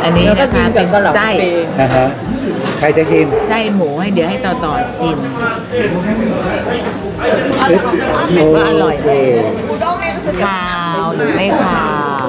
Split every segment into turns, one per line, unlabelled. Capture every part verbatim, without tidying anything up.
อันนี้นะคะเป็นไส้
นะฮะใครจะชิม
ไส้หมูให้เดี๋ยวให้ต่อต่อชิม ว่าอร่อยไหม ขาวหรือไม่ขาว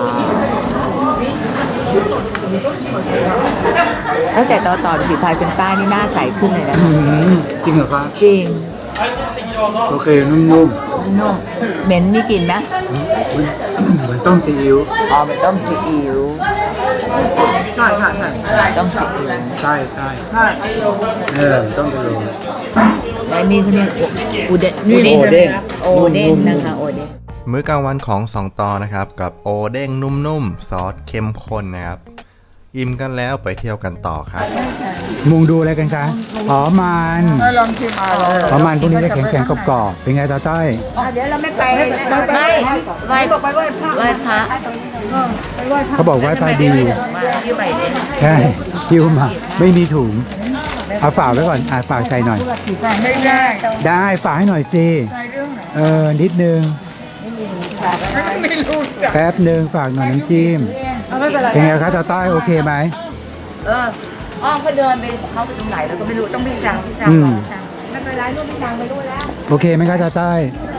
แล้วแต่ต่อต่อสีพาเซนต้านี่หน้าใสขึ้นเลยนะ
อืมจริงเหรอครับ
จริง
โอเคนุ่ม
นุ่มเหม็นมีกลิ่นนะ
ๆเหมือนเหมือนต้มซีอิ๊ว
อ๋อเป็นต้มซีอิ๊ว
ใช่ใช่ใช่
ต้มซีอิ๊ว
ใช่ใช่
ใช่
เออต้มกะโหลก
และนี่เขาเรียกอูเดน
โอเด้ง
โอเด้งนะคะโอเด้ง
มื้อกลางวันของสองต่อนะครับกับโอเด้งนุ่มๆซอสเข้มข้นนะครับอิ่มกันแล้วไปเที่ยวกันต่อครับ
มุงดูอะไรกันคะอ๋อมัน
ลองชิมมาเลย
อ๋อมันพวกนี้จะแข็งๆกรอบๆเป็นไงตาต้อย
เดี๋ยวเราไม่ไป
ไม่ไหว้
บอกไปไหว้พระ
ไหว้พระ
ไปไหว้พระ
เขาบอกว่าปลาดี
มาที่ใหม่เนี่ย
ใช่คิวมาไม่มีถุงเอาฝากไว้ก่อนอ่าฝากใส่หน่อย
สั่งไม่ได้
ได้ฝากให้หน่อยสิ
ใส่เรื่องไหน
เออนิดนึง
ไม่รู้จัก
แป๊บหนึ่งฝากหน่อยน้ำจิ้ม
เอาไม่เป็นไร
เป็นไงครับตาต้อยโอเคไหม
เอออ้อมเขาเดินไปเขาไปตรงไหนเราก็ไม่รู้ต้องพี่สั่งพี่สั่ง
อืม
สั่ง
ไม่เป็นไรลูกพี่สั่งไปด้วยแล้ว
โอเคไหมครับตาต้อย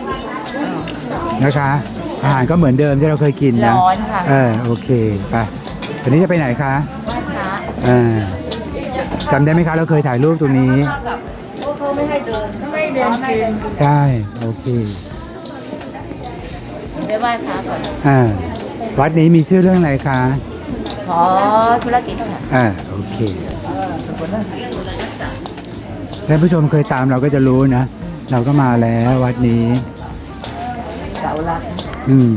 นะคะอาหารก็เหมือนเดิมที่เราเคยกินนะ
ร้อนค่ะ
เออโอเคไปตอนนี้จะไปไหนคะ
ไหว้พระ
อ่าจำได้ไหมคะเราเคยถ่ายรูปตรงนี้
เขาไม่ให้เดิน
ไม่เดินจริง
ใช่โอเค
ไปไหว้พระก่อน
อ่าวัดนี้มีชื่อเรื่องอะไรคะ
ขอธุรกิจค่ะ
อ่าโอเคท่านผู้ชมเคยตามเราก็จะรู้นะ เราก็มาแล้ววัดนี้
เสาหลัก
อืม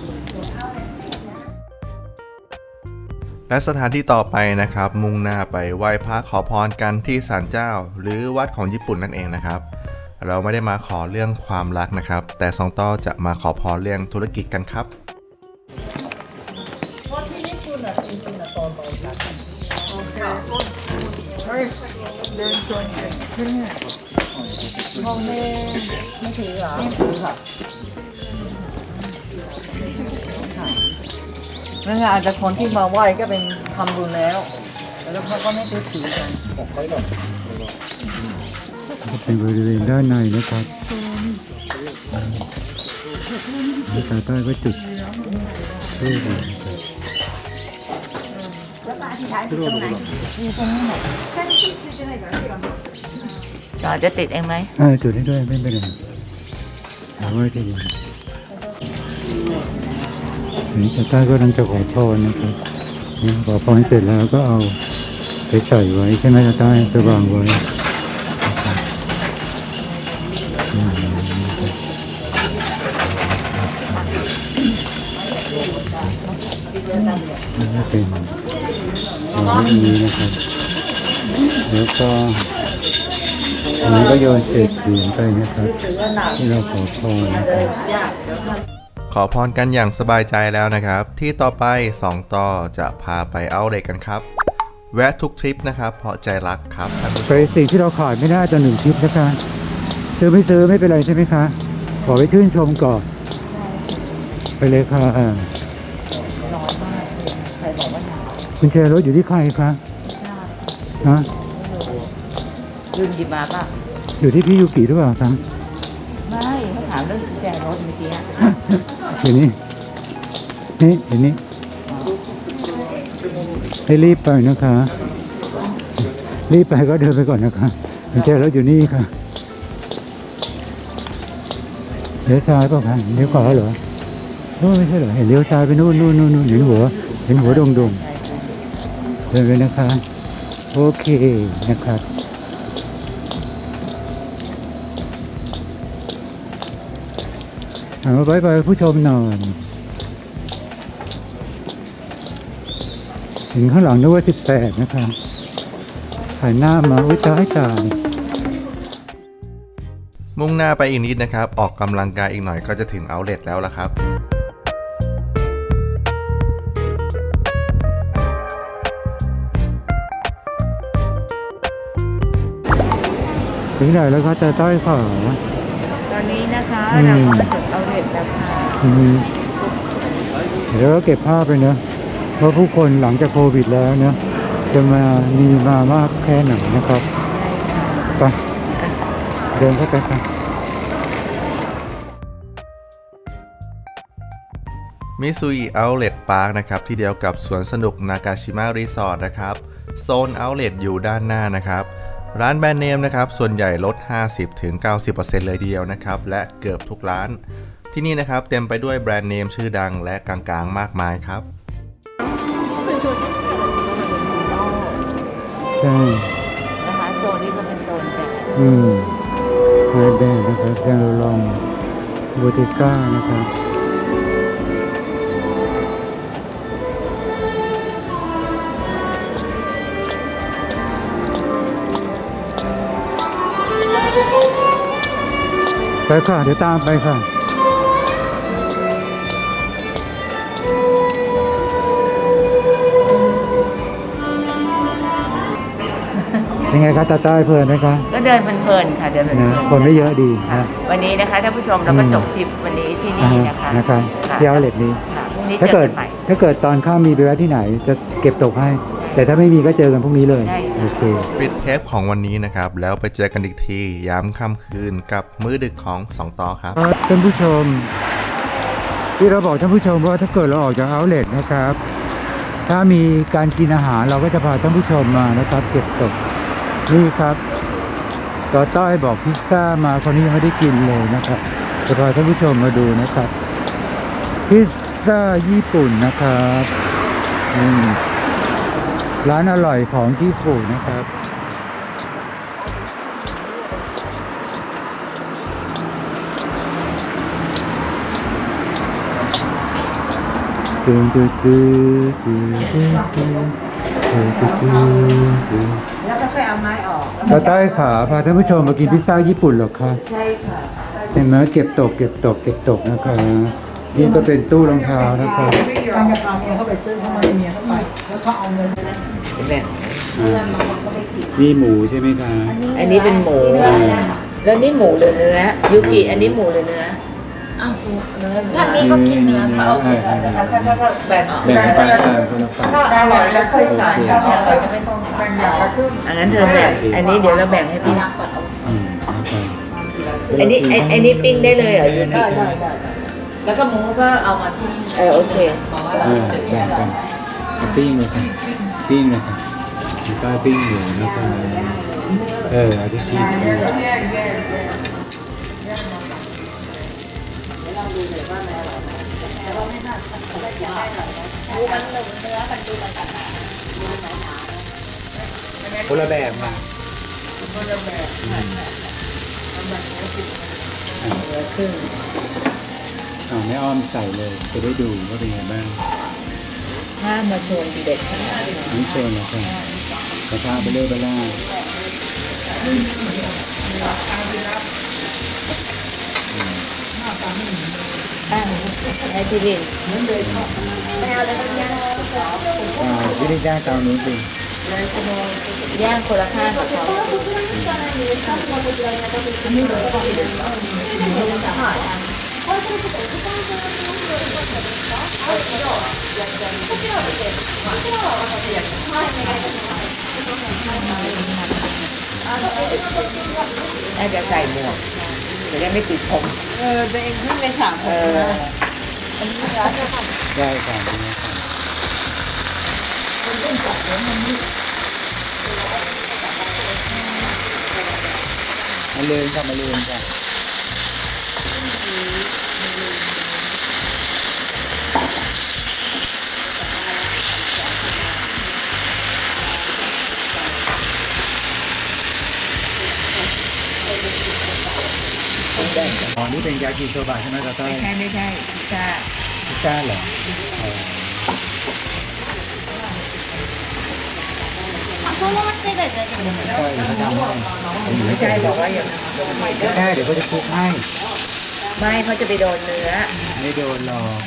และสถานที่ต่อไปนะครับมุ่งหน้าไปไหว้พระขอพรกันที่ศาลเจ้า หรือวัดของญี่ปุ่นนั่นเองนะครับ เราไม่ได้มาขอเรื่องความรักนะครับ แต่สองต่อจะมาขอพรเรื่องธุรกิจกันครับ
เดินชวนกันขึ้นเนี่ย
มองไม่ไม่ถือเหรอไม่ถือค่ะนั่นอาจจะคนที่มาไหว้ก็เป็นทำบุญแล้วแล้วเขาก็ไม่ได้ถือกัน
ก็เป็นบริเวณด้านในนะครับตาต้อยก็จุดทูบนะครับ
ต่อจะติดเองไหม
เออจุดให้ด้วยไม่เป็นไรเอาไว้ที่นี่นี่ตาต้อยก็กำลังจะขอพรนะครับนี่ขอพรเสร็จแล้วก็เอาไปใส่ไว้ใช่ไหมตาต้อยไปวางไว้อืมนี่เป็นอย่างนี้นะครับ แล้วก็อันนี้ก็โยนเศษเหรียญไปนะครับที่เราขอพรนะครับ
ขอพรกันอย่างสบายใจแล้วนะครับ ที่ต่อไปสองต่อจะพาไปเอาเด็กกันครับ แวะทุกทริปนะครับเพราะใจรักครับท่านผู้ช
ไป
ม
สิ่งที่เราขาดไม่ได้ต่อหนึ่งทริปนะคะซื้อไม่ซื้อไม่เป็นไรใช่ไหมคะ ขอไปชื่นชมก่อน ไปเลยค่ะอ่าคุณแชร์รถอยู่ที่ใครคะฮะ
ยืนหยิบมาป่ะ
อยู่ที่พี่ยูกิหรือเปล่าครับ
ไม่เขาถามเรื่องกุญแจรถเมื่อกี้อะ
เดี๋ยวนี้นี่เดี๋ยวนี้ให้รีบไปนะคะ รีบไปก็เดินไปก่อนนะคะคุณแชร์รถอยู่นี่ค่ะเลี้ยวซ้ายเปล่าคะเลี้ยวขวาเหรอโอ้ไม่ใช่เหรอเห็นเลี้ยวซ้ายไปนู่นนู่นนู่นนู่นเห็นหัวเห็นหัวดงดงๆเดินไปนะคะ โอเคนะครับเอาไว้ไปผู้ชมหน่อยถึงข้างหลังนึกว่าสิบแปดนะคะถ่ายหน้ามาอุ้ยตายตาย
มุ่งหน้าไปอีกนิดนะครับ ออกกำลังกายอีกหน่อยก็จะถึงเอาท์เลทแล้วละครับ
ถึงไหนแล้วคะแต่ต้อยขอ
ตอนนี้นะคะ
อืม
เราก็มาถึงเอาเด็ดแล้วค่ะ
อืมเดี๋ยวก็เก็บภาพไปเนอะ
ค
ว่าผู้คนหลังจากโควิดแล้วเนี่ยจะมามีมามากแค่ไหนนะครับไปเดินเข้าไปครับ
มิซุยเอาท์เลทพาร์คนะครับที่เดียวกับสวนสนุกนากาชิมะรีสอร์ทนะครับโซนเอาท์เลทอยู่ด้านหน้านะครับร้านแบรนด์เนมนะครับส่วนใหญ่ลด ห้าสิบถึงเก้าสิบเปอร์เซ็นต์ เลยทีเดียวนะครับและเกือบทุกร้านที่นี่นะครับเต็มไปด้วยแบรนด์เนมชื่อดังและกลางๆมากมายครับ
ใช่
นะคะโซนนี้ก็เป็นโซนแบบ
อืมไฮแบนด์นะครับแซงโลลองบูติก้านะครับไปค่ะเดี๋ยวตามไปค่ะยังไงครับตาใต้เพลินไหมคะ
ก็เดินเพลินๆค่ะเดินเพลิ
นะ
น
คนไม่เยอะดีนะ
ๆวันนี้นะคะท่านผู้ชมเราก็จบทริปวันนี้ที่นี่นะคะ
นะคะ
ค่ะ
ที่เอาเลทนี้
ค่ะพรุ่งนี้
ถ้า
เจอ
เกิด
กันใหม่
ถ้าเกิดตอนข้ามมีไปแวะที่ไหนจะเก็บตกให้
ใช่
แต่ถ้าไม่มีก็เจอกันพรุ่งนี้เลย
ใช่ค่ะ
โอเค
ปิดเทปของวันนี้นะครับแล้วไปเจอกันอีกทีย้ำค่ำคืนกับมื้อดึกของสองต่อครับ
ครับท่านผู้ชม ที่เราบอกท่านผู้ชมว่าถ้าเกิดเราออกจากเอาท์เลทนะครับ ถ้ามีการกินอาหารเราก็จะพาท่านผู้ชมมานะครับ เก็บตกนี่ครับต่อต้อยบอกพิซซ่ามาคนนี้ยังไม่ได้กินเลยนะครับจะพาท่านผู้ชมมาดูนะครับ พิซซ่าญี่ปุ่นนะครับอืมร้านอร่อยของญี่ปุ่นนะครับตึงตึงตึงตึงตึงตึงตึงตึงตึง
แล้วก็ค่อยเอาไม้ออก
ตาใต้ขาพาท่านผู้ชมมากินพิซซ่าญี่ปุ่นเหรอคะ
ใช่ค่ะ
เห็นไหมเก็บตกเก็บตกเก็บตกนะคะนี่ก็เป็นตู้รองเท้านะครับ
ทางจะพาเมียเข้าไปซื้อเข้ามาเมียเข้าไปแล้วเขาเอาเงิน
แบ่ง
นี่หมูใช่ไหมคะ
อันนี้เป็นหมู แล้วนี่หมูหรือเนื้อยูกิอันนี้หมูหรือเนื้ออ้าวเนื้อถ้ามีก็กินเนื้อค่ะโอเคถ้าถ้าถ้าแบ่ง
แบ่งไปต่างคนละฝั่ง
ถ้าอร่อยแล้วค่อยใส่ถ้าไม่อร่อยก็ไม่ต้องใส่
อย่างละครึ่ง
อันนั้นเธอแบ่งอันนี้เดี๋ยวเราแบ่งให้พี่
อืมนะครับ
อันนี้ไอ้ไอ้นี่ปิ้งได้เลยเหรอยูกิ
แล้วก็หมูก็เอามาที่
เออโอเค
เออแบ่งกันเอาปิ้งเลยค่ะปิ้งเลยค่ะมีป้าปิ้งหมูนะคะเออเอาที่ชีสคนละแบบมาอ่าไม่อ้อมใส่เลยจะได้ดูว่าเป็นไงบ้าง
ถ้ามาชวนเด็กขนาดนี้
นี่เชิญนะครับกระทะไปเรื่อยไปล่า
อ่ะให้พี่ลิน
อ่าวิธีย่างเตานู้นสิ
ย่างคนละข้างกับเขาน่าจะใส่หมวกจะได้ไม่ติดผม
เออตัวเองขึ้นไปสาม
เอ
คน
อ
ได้ค่ะนี่นะครับมาเลยค่ะมาเลยค่ะอ๋อนี่เป็นยากิโซบะใช่ไหมตาต้อย
ใช่ไม่ใช่พิซซ่า
พิซซ่าเหรอใช่เขาทำให้
ไม่ใช่บอกว่าอย่าง
ไม่ใช่เดี๋ยวเขาจะคลุกให้
ไม่เขาจะไปโดนเนื้อ
ไม่โดนหรอก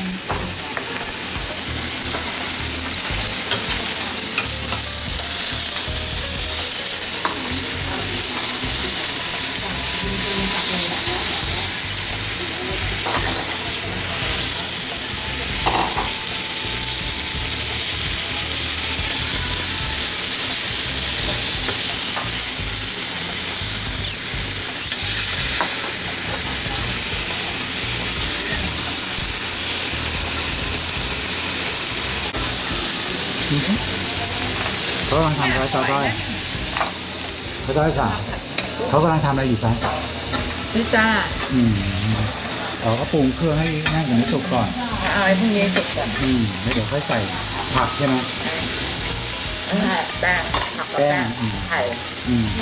เขากำลังทำอะไรต่อไปเขาต้อยสั่งเขากำลังทำอะไรอยู่ครับ
พิซซ่า
อืมเราก็ปรุงเครื่องให้นั่งอย่างนี้สุกก่อน
เอาไอ้พวกนี้สุกก่อน
อืมแล้วเดี๋ยวค่อยใส่ผักใช่ไหม
อ่าแป้งผักกับแป้ง
แป้งอืม
ไข่
อืม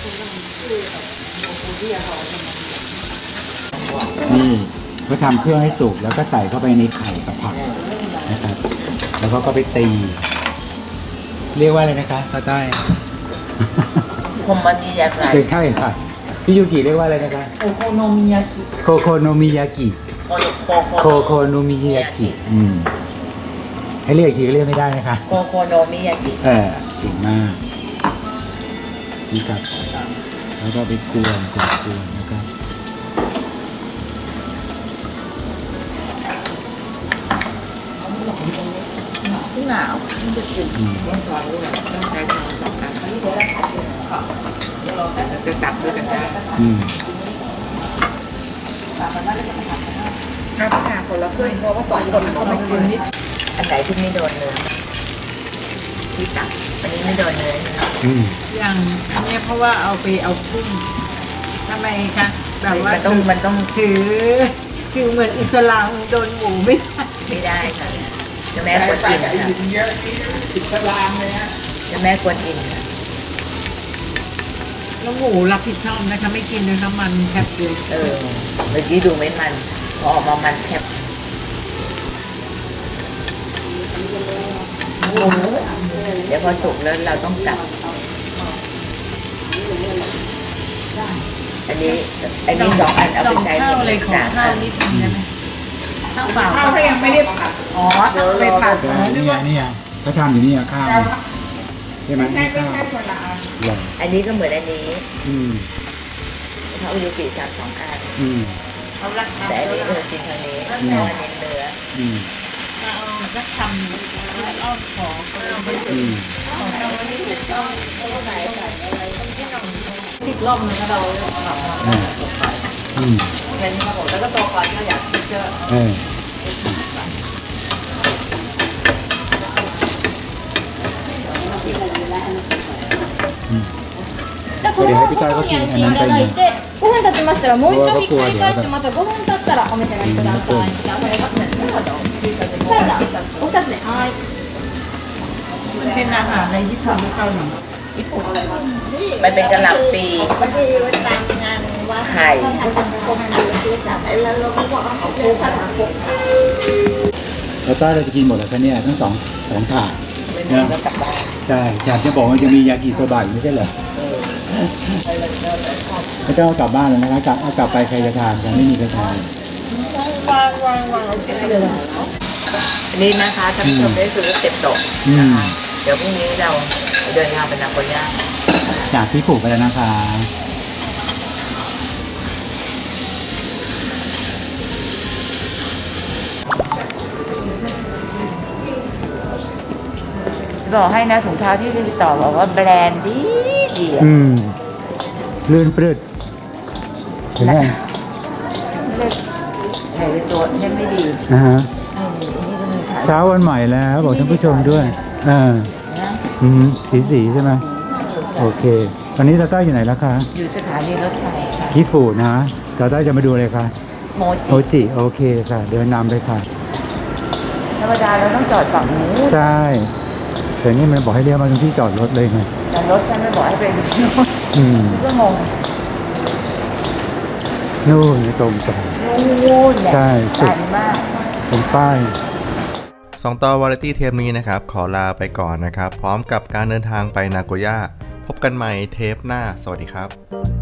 นี่เขาทำเครื่องให้สุกแล้วก็ใส่เข้าไปในไข่กับผักนะครับ แล้วก็ก็ไปตี เรียกว่าอะไรนะคะตาใต้
คมมันดีอย่างไร
ไม่ใช่ค่ะพี่ยูกิเรียกว่าอะไรนะคะ
โอโคโนมิยากิ
โคโคโนมิยากิ
โคโค
โคโคโนมิยากิอืมให้เรียกอีกทีก็เรียกไม่ได้นะคะ
โคโคโนมิยากิ
เออเก่งมากนี่ครับแล้วก็ไปกวนกวนกวนนะครับ
หนาวมันจะกินต้องร้อนด้วยต้องใช้ช้อนสองอันจะตับด้วยกันได้
อืม
ถ้าค่ะคนละครึ่งเพราะว่าสองคนเขาไม่กินนิดอันไหนที่ไม่โดนเนื้อที่ตับอันนี้ไม่โดนเนื้อ
อืม
อย่างอันเนี้ยเพราะว่าเอาไปเอากุ้งทำไมคะแบบว่า
มันต้องมันต้อง
ถือคือเหมือนอิสลามโดนหมูไม่ได้
ไม่ได้ค่ะจะแม่ควรกินค่ะ
เยอะอิสลามเลยฮะ
จะแม่ควรกินค่ะ
แล้วหมูรับผิดชอบนะคะไม่กินด้วยน้ำมันแคบเลย
เออเมื่อกี้ดูไม่มันพอออกมามันแคบหมูเดี๋ยวพอสุกแล้วเราต้องจับอันนี้อันนี้สองอันเอาไปใช้
ข้าวเลยขอ
สาม
ข้า
อั
วนนิดนึงได้ไหมข้าวเปล่า
ข้าวก็ยังไม่ได้ผัด
อ๋อไปผัด
ใช่นี่ไงนี่ไงเขาทำอยู่นี่อะข้าวใช่ไหมนี่ข้าวเหรอ
อันนี้ก็เหมือนอันนี้
อืม
เขาอุยุกิสามสองอัน
อืม
เขารัก
แต่อันนี้เออกินทางนี้เพราะอันนี้เนื้อ
อืม
ก็ทำแล้วอ้อมขอ
อืม
ติดรอบนึงแล้วเรา
อ่าอืม
แค่นี้ครับผมแล้วก็โตก่อนก็อยากกินเยอะ
เออ
じゃあこのままご飯に入れていただいてごふん経ちましたらもう一度ひっくり返してまたごふん経ったらお召し上がりください。じゃあこれがサラダお二つね。はい。
มันเป็นอาหารอะไรที่ทำให้เกาหลี
มันเป็นกระหล่ำปีไข่
แล้วก็เราจะกินหมดแล้วคะเนี่ยทั้งสองสองถาด
เป็นเนื้อกลับบ้าน
ใช่อยากจะบอกว่าจะมียากิโซบะอยู่ไม่ใช่เหรอไม่ต้องเอากลับบ้านแล้วนะคะกลับเอากลับไปใครจะทานกันไม่มีใครทาน
วางวางวางโอเคเลย
อันนี้นะคะท่านผู้ชมได้ซื้อเต็มโต๊ะ
อืม
เดี๋ยวพรุ่งนี้เราเดินทางไปนาโกย่า
จากที่ปลูกไปแล้วนะคะ
บอกให้นะถุงเท้าที่ติดต่อบอกว่าแบรนด์ดีดีอะ
อืมลื่นปลื้ดเห็นไหม
เล็กใส่ในตัวเนี่ยไม่ดี
นะฮะ
นี่นี่อันนี้ก็มีขาย
เช้าวันใหม่แล้วบอกท่านผู้ชมด้วยอ่า
นะ
อืมสีสีใช่ไหมโอเคตอนนี้ตาต้าอยู่ไหนแล้วคะ
อยู่สถานีรถไฟค่ะ
ที่ฟูนะตาต้าจะมาดูอะไรคะ
โม
โอ
จิ
จิโอเคค่ะ เดินนำเลยค่ะ
ธรรมดาเราต้องจอดฝั่งนู้น
ใช่แต่นี่มันบอกให้เรียกมาตรงที่จอดรถเลยไง
แต่รถฉันไม่บอกให้ไปดู
อืม
ก็งง
นู่นตรงไป
นู่นเนี่ย
ใช่สุด
ไกลมาก
ตรงป้าย
สองตอนวาไรตี้เทปนี้นะครับ ขอลาไปก่อนนะครับ พร้อมกับการเดินทางไปนาโกย่าพบกันใหม่เทปหน้า สวัสดีครับ